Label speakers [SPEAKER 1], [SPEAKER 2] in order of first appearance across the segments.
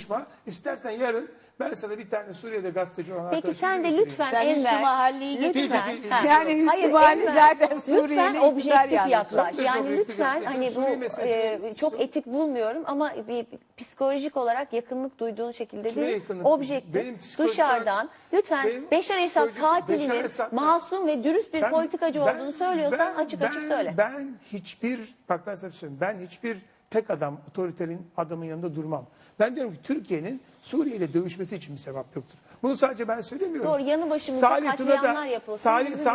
[SPEAKER 1] konuşma. İstersen yarın ben sana bir tane Suriye'de gazeteci olan
[SPEAKER 2] Peki
[SPEAKER 1] arkadaşımı
[SPEAKER 2] sen de
[SPEAKER 1] getireyim.
[SPEAKER 2] lütfen
[SPEAKER 3] Sen Hüsnü
[SPEAKER 2] Enver,
[SPEAKER 3] Mahalli'yi
[SPEAKER 2] lütfen.
[SPEAKER 1] getir.
[SPEAKER 2] Ha.
[SPEAKER 3] Yani Hüsnü
[SPEAKER 2] Hayır,
[SPEAKER 3] Mahalli
[SPEAKER 2] Enver,
[SPEAKER 3] zaten Suriyeli
[SPEAKER 2] lütfen
[SPEAKER 3] iktidar
[SPEAKER 2] objektif
[SPEAKER 3] yalnız.
[SPEAKER 2] yaklaş.
[SPEAKER 1] Çok
[SPEAKER 2] Yani
[SPEAKER 1] objektif
[SPEAKER 2] lütfen
[SPEAKER 1] yaklaş.
[SPEAKER 2] hani
[SPEAKER 1] Suriye
[SPEAKER 2] bu
[SPEAKER 1] meselesi-
[SPEAKER 2] çok etik bulmuyorum ama bir psikolojik olarak yakınlık duyduğun şekilde
[SPEAKER 1] Kime
[SPEAKER 2] değil.
[SPEAKER 1] yakınlık?
[SPEAKER 2] Objektif
[SPEAKER 1] Benim psikolojik
[SPEAKER 2] dışarıdan
[SPEAKER 1] olarak-
[SPEAKER 2] lütfen
[SPEAKER 1] benim
[SPEAKER 2] Beşar Esad
[SPEAKER 1] psikolojik-
[SPEAKER 2] katilinin
[SPEAKER 1] Beşar Esad-
[SPEAKER 2] masum ve dürüst bir politikacı olduğunu söylüyorsan açık açık söyle.
[SPEAKER 1] Ben hiçbir, bak ben sana söyleyeyim, ben hiçbir tek adam, otoriterin adamın yanında durmam. Ben diyorum ki Türkiye'nin Suriye ile dövüşmesi için bir sebep yoktur. Bunu sadece ben söylemiyorum.
[SPEAKER 2] Doğru, yanı başımızda katliamlar yapılsın.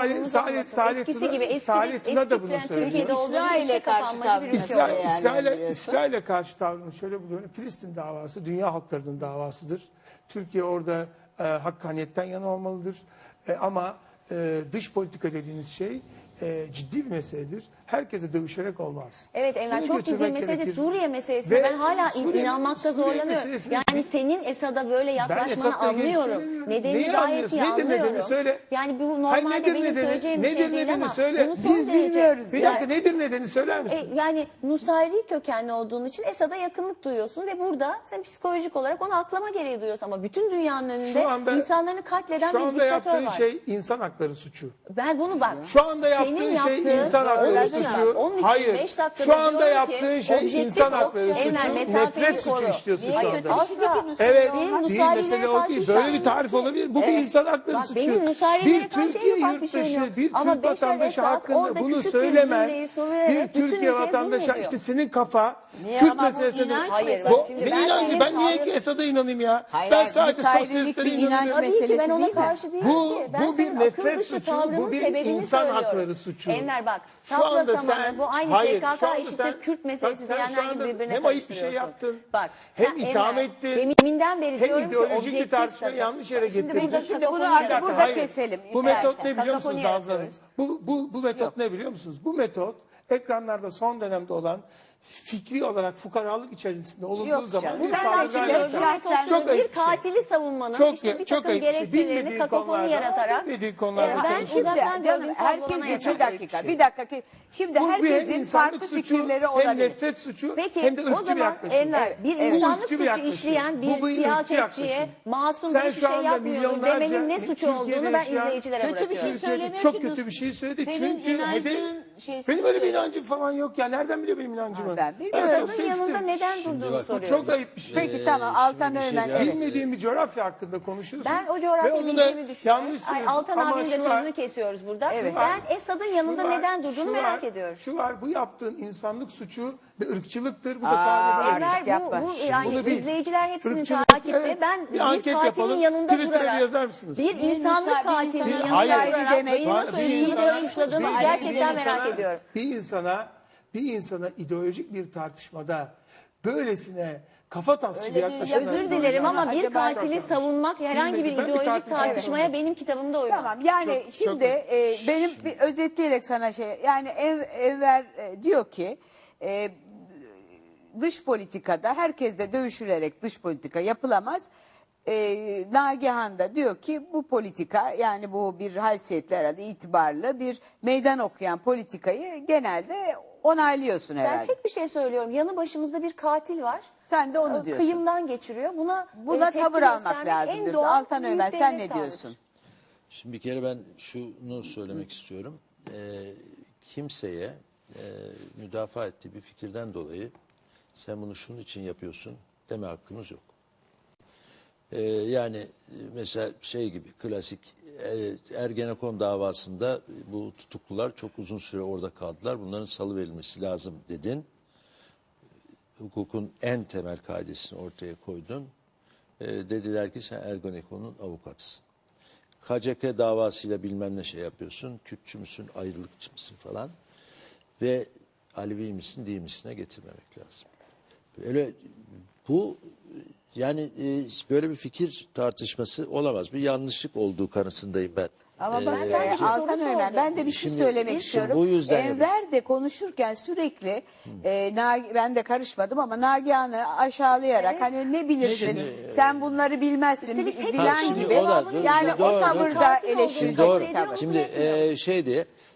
[SPEAKER 2] Eskisi gibi eski
[SPEAKER 1] Tuna da bunu
[SPEAKER 2] Türkiye'de
[SPEAKER 1] söylüyor.
[SPEAKER 2] olduğu
[SPEAKER 3] İsrail'e
[SPEAKER 2] içe
[SPEAKER 3] karşı
[SPEAKER 2] kapanmacı bir ülke oldu.
[SPEAKER 1] İsrail'e karşı tavrını şöyle buluyorum. Filistin davası dünya halklarının davasıdır. Türkiye orada hakkaniyetten yana olmalıdır. Ama dış politika dediğiniz şey ciddi bir meseledir. Herkese dövüşerek olmaz.
[SPEAKER 2] Evet Enver,
[SPEAKER 1] Bunu
[SPEAKER 2] çok ciddi
[SPEAKER 1] götürmek
[SPEAKER 2] mesele
[SPEAKER 1] gerekir.
[SPEAKER 2] Suriye meselesine
[SPEAKER 1] Ve
[SPEAKER 2] ben hala
[SPEAKER 1] Suriye
[SPEAKER 2] inanmakta zorlanıyorum.
[SPEAKER 1] meselesini-
[SPEAKER 2] Yani senin Esad'a böyle
[SPEAKER 1] Ben
[SPEAKER 2] yaklaşmanı
[SPEAKER 1] Esad'la ilgili
[SPEAKER 2] anlıyorum.
[SPEAKER 1] söylemiyorum.
[SPEAKER 2] Nedenini
[SPEAKER 1] Neyi
[SPEAKER 2] gayet
[SPEAKER 1] anlıyorsun?
[SPEAKER 2] iyi
[SPEAKER 1] Nedir nedeni?
[SPEAKER 2] anlıyorum.
[SPEAKER 1] Söyle.
[SPEAKER 2] Yani bu
[SPEAKER 1] Hayır,
[SPEAKER 2] normalde
[SPEAKER 1] nedir
[SPEAKER 2] benim
[SPEAKER 1] nedeni?
[SPEAKER 2] söyleyeceğim bir
[SPEAKER 1] Nedir
[SPEAKER 2] şey değil
[SPEAKER 1] nedeni?
[SPEAKER 2] ama
[SPEAKER 1] Söyle.
[SPEAKER 2] bunu son
[SPEAKER 3] Biz
[SPEAKER 2] derece-
[SPEAKER 3] bilmiyoruz.
[SPEAKER 1] Bir dakika, nedir nedeni söyler misin?
[SPEAKER 2] Yani Nusayri kökenli olduğun için Esad'a yakınlık duyuyorsun ve burada sen psikolojik olarak onu aklama gereği duyuyorsun. Ama bütün dünyanın önünde insanlarını katleden
[SPEAKER 1] şu
[SPEAKER 2] bir
[SPEAKER 1] anda
[SPEAKER 2] diktatör
[SPEAKER 1] yaptığın
[SPEAKER 2] var.
[SPEAKER 1] şey insan hakları suçu.
[SPEAKER 2] Ben bunu bak.
[SPEAKER 1] Şu anda
[SPEAKER 2] senin
[SPEAKER 1] yaptığın şey
[SPEAKER 2] yaptığın-
[SPEAKER 1] insan hakları
[SPEAKER 2] Onun için
[SPEAKER 1] suçu.
[SPEAKER 2] bak, onun için
[SPEAKER 1] Hayır.
[SPEAKER 2] 5 dakikada
[SPEAKER 1] Şu anda
[SPEAKER 2] diyorum ki,
[SPEAKER 1] yaptığın şey
[SPEAKER 2] objektif
[SPEAKER 1] insan
[SPEAKER 2] ol,
[SPEAKER 1] hakları
[SPEAKER 2] Enver,
[SPEAKER 1] suçu.
[SPEAKER 2] mesafeni
[SPEAKER 1] Nefret suçu
[SPEAKER 2] koru.
[SPEAKER 1] işliyorsun şu
[SPEAKER 2] Hayır,
[SPEAKER 1] anda.
[SPEAKER 2] asla.
[SPEAKER 1] Evet,
[SPEAKER 2] Benim
[SPEAKER 1] değil
[SPEAKER 2] Nusayrilere
[SPEAKER 1] mesele o
[SPEAKER 2] karşı
[SPEAKER 1] değil.
[SPEAKER 2] hiçbir
[SPEAKER 1] Böyle
[SPEAKER 2] şeyim
[SPEAKER 1] bir tarif
[SPEAKER 2] yok.
[SPEAKER 1] olabilir. Bu bir insan hakları
[SPEAKER 2] Bak,
[SPEAKER 1] suçu.
[SPEAKER 2] benim Nusayrilere
[SPEAKER 1] Bir
[SPEAKER 2] karşı
[SPEAKER 1] Türkiye
[SPEAKER 2] en ufak bir şeyim
[SPEAKER 1] yurttaşı,
[SPEAKER 2] yok.
[SPEAKER 1] bir
[SPEAKER 2] Ama
[SPEAKER 1] Türk
[SPEAKER 2] Beşar
[SPEAKER 1] vatandaşı
[SPEAKER 2] Esad
[SPEAKER 1] hakkında
[SPEAKER 2] orada
[SPEAKER 1] bunu
[SPEAKER 2] küçük bir
[SPEAKER 1] söylemen,
[SPEAKER 2] zümreyi söyleyerek
[SPEAKER 1] bir
[SPEAKER 2] bütün
[SPEAKER 1] Türkiye
[SPEAKER 2] ülkeye
[SPEAKER 1] vatandaşı,
[SPEAKER 2] zulmediyor.
[SPEAKER 1] işte senin kafa,
[SPEAKER 3] Niye
[SPEAKER 1] Kürt
[SPEAKER 3] ama bu
[SPEAKER 1] meselesini...
[SPEAKER 3] inanç
[SPEAKER 2] Hayır,
[SPEAKER 3] meselesi.
[SPEAKER 2] bak şimdi
[SPEAKER 1] Ne
[SPEAKER 2] ben
[SPEAKER 1] inancı?
[SPEAKER 2] senin
[SPEAKER 1] Ben niye
[SPEAKER 2] tavrın-
[SPEAKER 1] Esad'a inanayım ya?
[SPEAKER 3] Hayır,
[SPEAKER 1] Ben
[SPEAKER 3] hayır,
[SPEAKER 1] sadece
[SPEAKER 3] Nusayrilik
[SPEAKER 1] sosyalistlere
[SPEAKER 3] bir inanç
[SPEAKER 1] inanıyorum.
[SPEAKER 2] Tabii ki ben
[SPEAKER 3] meselesi
[SPEAKER 2] ona
[SPEAKER 3] değil mi?
[SPEAKER 2] karşı değilim
[SPEAKER 1] Bu-
[SPEAKER 2] ki. Ben
[SPEAKER 1] bu bir
[SPEAKER 2] senin
[SPEAKER 1] nefret
[SPEAKER 2] akıl dışı
[SPEAKER 1] suçu,
[SPEAKER 2] tavrının
[SPEAKER 1] bu bir
[SPEAKER 2] sebebini
[SPEAKER 1] insan
[SPEAKER 2] söylüyorum.
[SPEAKER 1] hakları suçu.
[SPEAKER 2] Enver bak,
[SPEAKER 1] Şu anda
[SPEAKER 2] sapla samanı
[SPEAKER 1] sen-
[SPEAKER 2] bu aynı
[SPEAKER 1] hayır, şu
[SPEAKER 2] PKK
[SPEAKER 1] anda
[SPEAKER 2] eşittir
[SPEAKER 1] sen-
[SPEAKER 2] Kürt meselesi
[SPEAKER 1] bak sen şu
[SPEAKER 2] diyenler gibi
[SPEAKER 1] anda
[SPEAKER 2] birbirine
[SPEAKER 1] hem ayıp bir şey
[SPEAKER 2] karıştırıyorsun.
[SPEAKER 1] yaptın,
[SPEAKER 2] Bak,
[SPEAKER 1] hem
[SPEAKER 2] sen
[SPEAKER 1] itham
[SPEAKER 2] Enver,
[SPEAKER 1] ettin,
[SPEAKER 2] deminden beri
[SPEAKER 1] hem
[SPEAKER 2] diyorum ki
[SPEAKER 1] ideolojik bir
[SPEAKER 2] objektif
[SPEAKER 1] tartışmayı
[SPEAKER 2] tabii.
[SPEAKER 1] yanlış yere
[SPEAKER 2] Şimdi
[SPEAKER 1] getirdin.
[SPEAKER 2] burada
[SPEAKER 3] Şimdi
[SPEAKER 2] kakafoni
[SPEAKER 3] bunu artık
[SPEAKER 2] yaratıyorsun.
[SPEAKER 3] burada
[SPEAKER 1] Hayır.
[SPEAKER 3] keselim.
[SPEAKER 1] Bu
[SPEAKER 3] istersen.
[SPEAKER 1] metot ne biliyor musunuz
[SPEAKER 2] Kakafoni
[SPEAKER 1] Nazlı Hanım? Bu metot ne biliyor musunuz? Bu metot ekranlarda son dönemde olan fikri olarak fukaralık içerisinde olunduğu
[SPEAKER 3] Yok
[SPEAKER 1] zaman
[SPEAKER 3] canım.
[SPEAKER 1] bir
[SPEAKER 2] Ben
[SPEAKER 1] saldırgan
[SPEAKER 2] söylüyorum,
[SPEAKER 1] yöntem.
[SPEAKER 2] çok
[SPEAKER 1] ayıp
[SPEAKER 2] bir katili savunmanın
[SPEAKER 1] Çok-
[SPEAKER 2] işte bir
[SPEAKER 1] çok
[SPEAKER 2] takım
[SPEAKER 1] ayıp bir şey.
[SPEAKER 2] gerekçelerini
[SPEAKER 1] Bilmediğin
[SPEAKER 2] kakafoni
[SPEAKER 1] konularda,
[SPEAKER 2] yaratarak
[SPEAKER 1] bilmediğin konularda
[SPEAKER 2] ben
[SPEAKER 1] konuşuyorsun.
[SPEAKER 2] uzaktan
[SPEAKER 3] Şimdi canım
[SPEAKER 2] gördüğüm tablodan
[SPEAKER 3] herkesin
[SPEAKER 2] ayırıyorum.
[SPEAKER 3] bir dakika bir dakika şimdi
[SPEAKER 1] Bu hem
[SPEAKER 3] herkesin
[SPEAKER 1] insanlık
[SPEAKER 3] farklı
[SPEAKER 1] suçu,
[SPEAKER 3] fikirleri
[SPEAKER 1] hem
[SPEAKER 3] olabilir.
[SPEAKER 1] nefret suçu,
[SPEAKER 2] Peki
[SPEAKER 1] hem de
[SPEAKER 2] o
[SPEAKER 1] ırkçı bir
[SPEAKER 2] zaman
[SPEAKER 1] yaklaşım.
[SPEAKER 2] Enver bir
[SPEAKER 3] Evet.
[SPEAKER 2] insanlık
[SPEAKER 1] Irkçı bir
[SPEAKER 2] suçu
[SPEAKER 1] yaklaşım.
[SPEAKER 2] işleyen bir
[SPEAKER 1] Bu ırkçı
[SPEAKER 2] siyasetçiye
[SPEAKER 1] yaklaşım.
[SPEAKER 2] masum
[SPEAKER 1] Sen
[SPEAKER 2] bir
[SPEAKER 1] şu
[SPEAKER 2] şey
[SPEAKER 1] anda
[SPEAKER 2] yapmıyordur
[SPEAKER 1] milyonlarca
[SPEAKER 2] demenin ne suçu
[SPEAKER 1] Türkiye'de
[SPEAKER 2] olduğunu ben
[SPEAKER 1] yaşayan-
[SPEAKER 2] izleyicilere
[SPEAKER 3] Kötü bir şey
[SPEAKER 2] bırakıyorum.
[SPEAKER 3] söylemiyor
[SPEAKER 1] Çok
[SPEAKER 3] ki
[SPEAKER 1] kötü bir şey söyledi
[SPEAKER 3] senin
[SPEAKER 1] çünkü
[SPEAKER 3] inancın şeysi
[SPEAKER 1] benim öyle bir
[SPEAKER 3] söylüyor.
[SPEAKER 1] inancım falan yok ya. Nereden biliyor benim inancımı?
[SPEAKER 3] Ben bilmiyorum.
[SPEAKER 2] Esad'ın
[SPEAKER 1] sosyalistim.
[SPEAKER 2] yanında neden durduğunu
[SPEAKER 1] Bu
[SPEAKER 2] soruyorum.
[SPEAKER 1] çok ayıp bir şey.
[SPEAKER 3] Peki tamam Altan Öğmen evet.
[SPEAKER 1] Bilmediğim bir coğrafya hakkında konuşuyorsun.
[SPEAKER 2] Ben o
[SPEAKER 1] Ve
[SPEAKER 2] coğrafya
[SPEAKER 1] onu da
[SPEAKER 2] bildiğimi düşünüyorum.
[SPEAKER 1] yanlış
[SPEAKER 2] Ay,
[SPEAKER 1] söylüyorsun.
[SPEAKER 2] Altan
[SPEAKER 1] Ama
[SPEAKER 2] abinin de
[SPEAKER 1] şu var-
[SPEAKER 2] sözünü kesiyoruz burada.
[SPEAKER 3] Evet.
[SPEAKER 2] Ben Esad'ın yanında
[SPEAKER 1] şu var-
[SPEAKER 2] neden durduğunu
[SPEAKER 1] şu
[SPEAKER 2] merak
[SPEAKER 1] var-
[SPEAKER 2] ediyorum.
[SPEAKER 1] Şu var, bu yaptığın insanlık suçu ve ırkçılıktır. Bu da
[SPEAKER 3] Aa,
[SPEAKER 1] tavrı
[SPEAKER 3] Enver,
[SPEAKER 2] Enver
[SPEAKER 3] yapma.
[SPEAKER 2] bu
[SPEAKER 3] Şimdi
[SPEAKER 2] yani
[SPEAKER 1] bunu bil.
[SPEAKER 2] izleyiciler hepsinin
[SPEAKER 1] Irkçılık,
[SPEAKER 2] takipte.
[SPEAKER 1] evet.
[SPEAKER 2] Ben
[SPEAKER 1] Bir
[SPEAKER 2] bir
[SPEAKER 1] anket
[SPEAKER 2] katilin
[SPEAKER 1] yapalım.
[SPEAKER 2] yanında
[SPEAKER 1] Twitter'a
[SPEAKER 2] durarak
[SPEAKER 1] yazar mısınız?
[SPEAKER 2] bir insanlık katilinin
[SPEAKER 3] insanın
[SPEAKER 2] yanında
[SPEAKER 1] Hayır.
[SPEAKER 2] durarak
[SPEAKER 3] demek
[SPEAKER 2] beni
[SPEAKER 3] var.
[SPEAKER 2] nasıl
[SPEAKER 1] Bir
[SPEAKER 2] ilgili
[SPEAKER 1] insana-
[SPEAKER 2] suçladığını
[SPEAKER 1] bir
[SPEAKER 2] gerçekten
[SPEAKER 1] insana-
[SPEAKER 2] merak ediyorum.
[SPEAKER 1] Bir insana ideolojik bir tartışmada böylesine kafa tasçı bir yaklaşım.
[SPEAKER 2] Özür dilerim ama bir
[SPEAKER 3] Acaba-
[SPEAKER 2] katili savunmak herhangi bir
[SPEAKER 1] Bilmedim. Ben bir
[SPEAKER 2] ideolojik
[SPEAKER 1] katil
[SPEAKER 2] tartışmaya
[SPEAKER 1] savunmam.
[SPEAKER 2] benim kitabımda uymaz.
[SPEAKER 3] Tamam yani
[SPEAKER 1] Çok-
[SPEAKER 3] şimdi benim bir özetleyerek sana şey yani Enver diyor ki dış politikada herkes de dövüşülerek dış politika yapılamaz. Nagihan da diyor ki bu politika yani bu bir haysiyetli herhalde itibarlı bir meydan okuyan politikayı genelde onaylıyorsun
[SPEAKER 2] Ben
[SPEAKER 3] herhalde.
[SPEAKER 2] tek bir şey söylüyorum. Yanı başımızda bir katil var.
[SPEAKER 3] Sen de onu diyorsun.
[SPEAKER 2] Kıyımdan geçiriyor. Buna
[SPEAKER 3] Buna
[SPEAKER 2] tepki
[SPEAKER 3] tavır almak
[SPEAKER 2] göstermek
[SPEAKER 3] lazım
[SPEAKER 2] en
[SPEAKER 3] diyorsun.
[SPEAKER 2] doğal
[SPEAKER 3] Altan
[SPEAKER 2] büyük
[SPEAKER 3] Öğmen sen
[SPEAKER 2] devlet
[SPEAKER 3] ne diyorsun?
[SPEAKER 2] tavrıdır.
[SPEAKER 4] Şimdi bir kere ben şunu söylemek istiyorum. Kimseye müdafaa ettiği bir fikirden dolayı sen bunu şunun için yapıyorsun deme hakkımız yok. Yani mesela şey gibi klasik Ergenekon davasında bu tutuklular çok uzun süre orada kaldılar. Bunların salıverilmesi lazım dedin. Hukukun en temel kaidesini ortaya koydun. Dediler ki sen Ergenekon'un avukatısın. KCK davasıyla bilmem ne şey yapıyorsun. Kürtçü müsün, ayrılıkçı mısın falan. Ve Alevi misin, değil misine getirmemek lazım. Böyle bu yani böyle bir fikir tartışması olamaz. Bir yanlışlık olduğu kanısındayım ben.
[SPEAKER 3] Ama bak
[SPEAKER 2] sadece soru
[SPEAKER 3] Altan Öğmen
[SPEAKER 2] sordum.
[SPEAKER 3] ben de bir şey
[SPEAKER 4] Şimdi-
[SPEAKER 3] söylemek
[SPEAKER 4] şimdi
[SPEAKER 3] istiyorum.
[SPEAKER 4] bu yüzden
[SPEAKER 3] Enver de konuşurken sürekli ben de karışmadım ama Nagihan'ı aşağılayarak
[SPEAKER 2] Evet.
[SPEAKER 3] hani ne bilirsin sen bunları bilmezsin
[SPEAKER 2] Üstelik tek
[SPEAKER 3] bilen
[SPEAKER 2] sorunun
[SPEAKER 3] gibi.
[SPEAKER 4] cevabını
[SPEAKER 3] Yani o
[SPEAKER 4] doğru.
[SPEAKER 3] tavırda
[SPEAKER 2] Katil olduğunu
[SPEAKER 3] eleştirecek
[SPEAKER 2] kabul
[SPEAKER 4] Doğru.
[SPEAKER 3] bir
[SPEAKER 2] ediyor
[SPEAKER 3] tavır.
[SPEAKER 2] musun?
[SPEAKER 4] Şimdi şey diye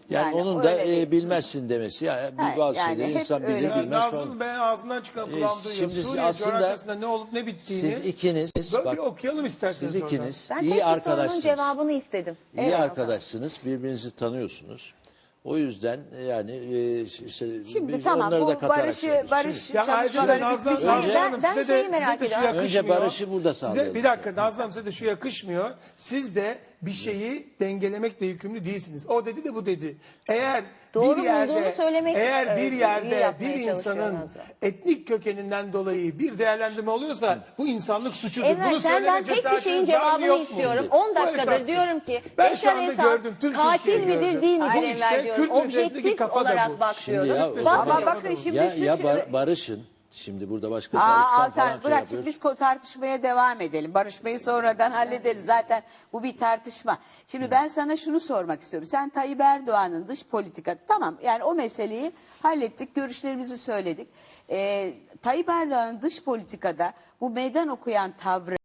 [SPEAKER 4] Yani onun da
[SPEAKER 3] öyle değil.
[SPEAKER 4] bilmezsin demesi. Bazı
[SPEAKER 3] yani
[SPEAKER 4] şeyleri
[SPEAKER 3] hep
[SPEAKER 4] insan
[SPEAKER 3] öyle
[SPEAKER 4] bilir
[SPEAKER 3] değil.
[SPEAKER 4] bilmez falan.
[SPEAKER 1] Nazım ben ağzından çıkan kulağım duyuyor.
[SPEAKER 4] Şimdi
[SPEAKER 1] Suriye
[SPEAKER 4] aslında
[SPEAKER 1] coğrafyasında ne olup ne bittiğini
[SPEAKER 4] Siz ikiniz,
[SPEAKER 1] böyle
[SPEAKER 4] bak,
[SPEAKER 1] bir okuyalım isterseniz
[SPEAKER 4] siz
[SPEAKER 1] oradan.
[SPEAKER 4] ikiniz
[SPEAKER 2] Ben tek
[SPEAKER 4] iyi
[SPEAKER 2] bir sorunun
[SPEAKER 4] arkadaşsınız.
[SPEAKER 2] cevabını istedim.
[SPEAKER 4] İyi
[SPEAKER 2] Evet.
[SPEAKER 4] arkadaşsınız, birbirinizi tanıyorsunuz. O yüzden yani
[SPEAKER 3] Şimdi
[SPEAKER 4] biz
[SPEAKER 3] tamam
[SPEAKER 4] onları da
[SPEAKER 3] bu
[SPEAKER 4] katarak
[SPEAKER 3] barış
[SPEAKER 4] söylüyoruz.
[SPEAKER 1] Ya ayrıca
[SPEAKER 3] çalışmaları
[SPEAKER 1] Nazlı
[SPEAKER 3] bitmiş.
[SPEAKER 1] Hanım
[SPEAKER 2] Ben
[SPEAKER 1] size de,
[SPEAKER 2] şeyi merak
[SPEAKER 1] size de şu
[SPEAKER 2] ediyorum.
[SPEAKER 1] yakışmıyor.
[SPEAKER 4] Önce barışı burada
[SPEAKER 1] Size,
[SPEAKER 4] sağlayalım.
[SPEAKER 1] bir dakika Nazlı Hanım size de şu yakışmıyor. Siz de bir şeyi dengelemekle yükümlü değilsiniz. O dedi de bu dedi. Eğer
[SPEAKER 2] Doğru
[SPEAKER 1] bir yerde,
[SPEAKER 2] bulduğunu söylemek,
[SPEAKER 1] eğer bir
[SPEAKER 2] iyi
[SPEAKER 1] yerde
[SPEAKER 2] yapmaya
[SPEAKER 1] bir
[SPEAKER 2] çalışıyor
[SPEAKER 1] insanın
[SPEAKER 2] Nazlı.
[SPEAKER 1] etnik kökeninden dolayı bir değerlendirme oluyorsa bu insanlık suçudur.
[SPEAKER 2] Enver
[SPEAKER 1] Bunu
[SPEAKER 2] senden
[SPEAKER 1] söyleme
[SPEAKER 2] tek bir şeyin
[SPEAKER 1] cesaretiniz var mı,
[SPEAKER 2] cevabını
[SPEAKER 1] yok mu?
[SPEAKER 2] istiyorum.
[SPEAKER 1] Bu
[SPEAKER 2] 10 dakikadır
[SPEAKER 1] esastır.
[SPEAKER 2] diyorum ki
[SPEAKER 1] Ben şu
[SPEAKER 2] Beşar
[SPEAKER 1] anda
[SPEAKER 2] Esad
[SPEAKER 1] gördüm, tüm
[SPEAKER 2] katil
[SPEAKER 1] Türkiye
[SPEAKER 2] midir
[SPEAKER 1] gördü.
[SPEAKER 2] değil midir
[SPEAKER 1] Bu
[SPEAKER 2] Enver
[SPEAKER 1] işte
[SPEAKER 2] diyorum.
[SPEAKER 1] Kürt meselesindeki
[SPEAKER 2] Objektif
[SPEAKER 1] kafa da
[SPEAKER 2] olarak
[SPEAKER 1] bu.
[SPEAKER 2] bak
[SPEAKER 4] Şimdi
[SPEAKER 2] diyorum.
[SPEAKER 4] ya, o
[SPEAKER 2] Bak-
[SPEAKER 4] zaman-
[SPEAKER 3] Ama bakın şimdi
[SPEAKER 4] barışın. Şimdi burada başka
[SPEAKER 3] Aa,
[SPEAKER 4] barıştan
[SPEAKER 3] Altan
[SPEAKER 4] falan şey
[SPEAKER 3] bırak
[SPEAKER 4] yapıyoruz.
[SPEAKER 3] şimdi biz tartışmaya devam edelim. Barışmayı sonradan hallederiz. Zaten bu bir tartışma. Şimdi ben sana şunu sormak istiyorum. Sen Tayyip Erdoğan'ın dış politika tamam yani o meseleyi hallettik. Görüşlerimizi söyledik. Tayyip Erdoğan'ın dış politikada bu meydan okuyan tavrı